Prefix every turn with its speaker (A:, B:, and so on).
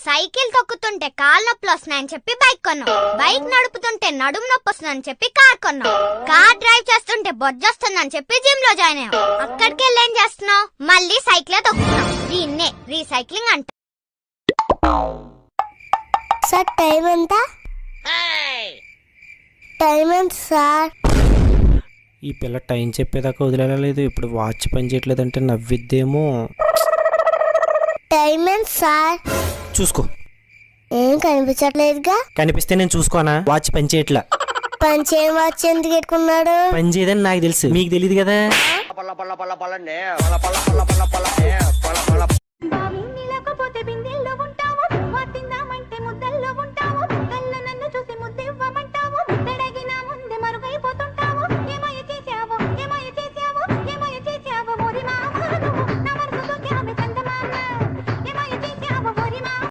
A: Cycle తొక్కుతుంటే కాళ్ళ నొప్పులు వస్తున్నాయని చెప్పి బైక్ కొన్నాం. బైక్ నడుపుతుంటే నడుము నొప్పి వస్తుందని చెప్పి కార్ కొన్నాం. కార్ డ్రైవ్ చేస్తుంటే బొజ్జొస్తుందని చెప్పి జిమ్ లో జాయిన్ అయ్యాం. అక్కడికి వెళ్ళి ఏం చేస్తున్నావు? మళ్ళీ సైకిల్ తొక్కుతున్నాం. దీన్నే రీసైక్లింగ్ అంట.
B: సార్ టైం ఎంత? టైం ఎంత సార్?
C: ఈ పిల్ల టైం చెప్పేదాకా వదిలేదు. ఇప్పుడు వాచ్ పని చేయట్లేదంటే నవ్విద్దేమో.
B: టైం ఎంత సార్?
C: చూసుకో.
B: ఏం కనిపించట్లేదుగా.
C: కనిపిస్తే నేను చూసుకోనా? వాచ్ పని చేయట్లా.
B: పని చేయని వాచ్ ఎందుకు పెట్టుకున్నాడు?
C: పని చేయదని నాకు తెలుసు, మీకు తెలియదు కదా.
D: పల్ల